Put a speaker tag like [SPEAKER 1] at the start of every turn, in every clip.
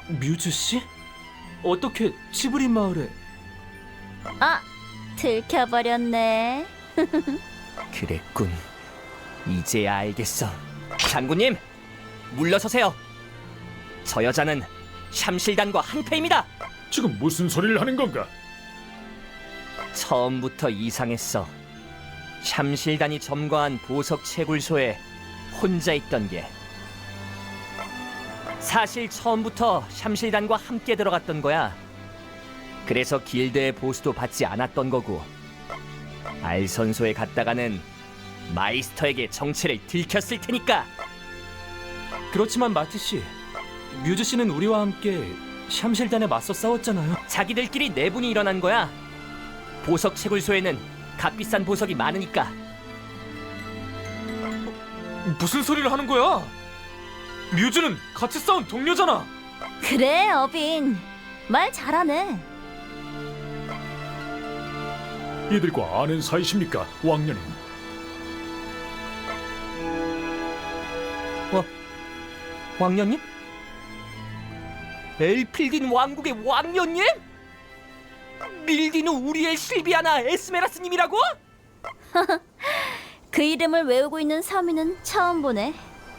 [SPEAKER 1] 뮤즈 씨? 어떻게 치브린 마을에?
[SPEAKER 2] 아, 들켜버렸네.
[SPEAKER 3] 그랬군. 이제야 알겠어. 장군님, 물러서세요. 저 여자는 샴실단과 한패입니다.
[SPEAKER 4] 지금 무슨 소리를 하는 건가?
[SPEAKER 3] 처음부터 이상했어. 샴실단이 점거한 보석 채굴소에 혼자 있던 게. 사실 처음부터 샴실단과 함께 들어갔던 거야. 그래서 길드의 보수도 받지 않았던 거고, 알선소에 갔다가는 마이스터에게 정체를 들켰을 테니까.
[SPEAKER 1] 그렇지만 마티 씨, 뮤즈 씨는 우리와 함께 샴실단에 맞서 싸웠잖아요.
[SPEAKER 3] 자기들끼리 내분이 일어난 거야. 보석 채굴소에는 값비싼 보석이 많으니까.
[SPEAKER 1] 무슨 소리를 하는 거야? 뮤즈는 같이 싸운 동료잖아.
[SPEAKER 2] 그래, 어빈. 말 잘하네.
[SPEAKER 4] 이들과 아는 사이십니까, 왕년님?
[SPEAKER 3] 왕년님? 엘필딘 왕국의 왕년님? 밀디누 우리엘 실비아나 에스메라스님이라고?
[SPEAKER 2] 그 이름을 외우고 있는 서민은 처음 보네.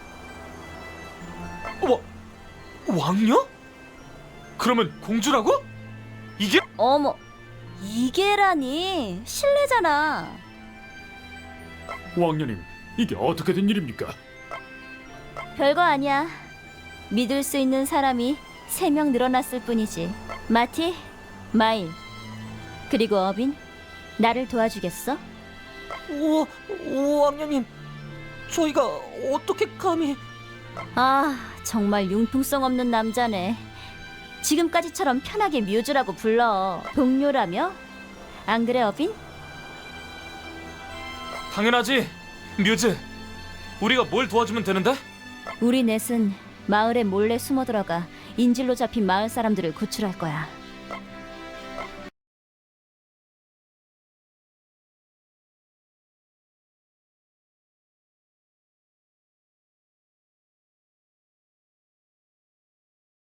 [SPEAKER 1] 왕녀? 그러면 공주라고? 이게?
[SPEAKER 2] 어머, 이게라니. 실례잖아.
[SPEAKER 4] 왕년님, 이게 어떻게 된 일입니까?
[SPEAKER 2] 별거 아니야. 믿을 수 있는 사람이 3명 늘어났을 뿐이지. 마티, 마일, 그리고 어빈, 나를 도와주겠어?
[SPEAKER 3] 왕년님, 저희가 어떻게 감히...
[SPEAKER 2] 아, 정말 융통성 없는 남자네. 지금까지처럼 편하게 뮤즈라고 불러. 동료라며? 안 그래, 어빈?
[SPEAKER 1] 당연하지, 뮤즈. 우리가 뭘 도와주면 되는데?
[SPEAKER 2] 우리 넷은 마을에 몰래 숨어 들어가 인질로 잡힌 마을 사람들을 구출할 거야.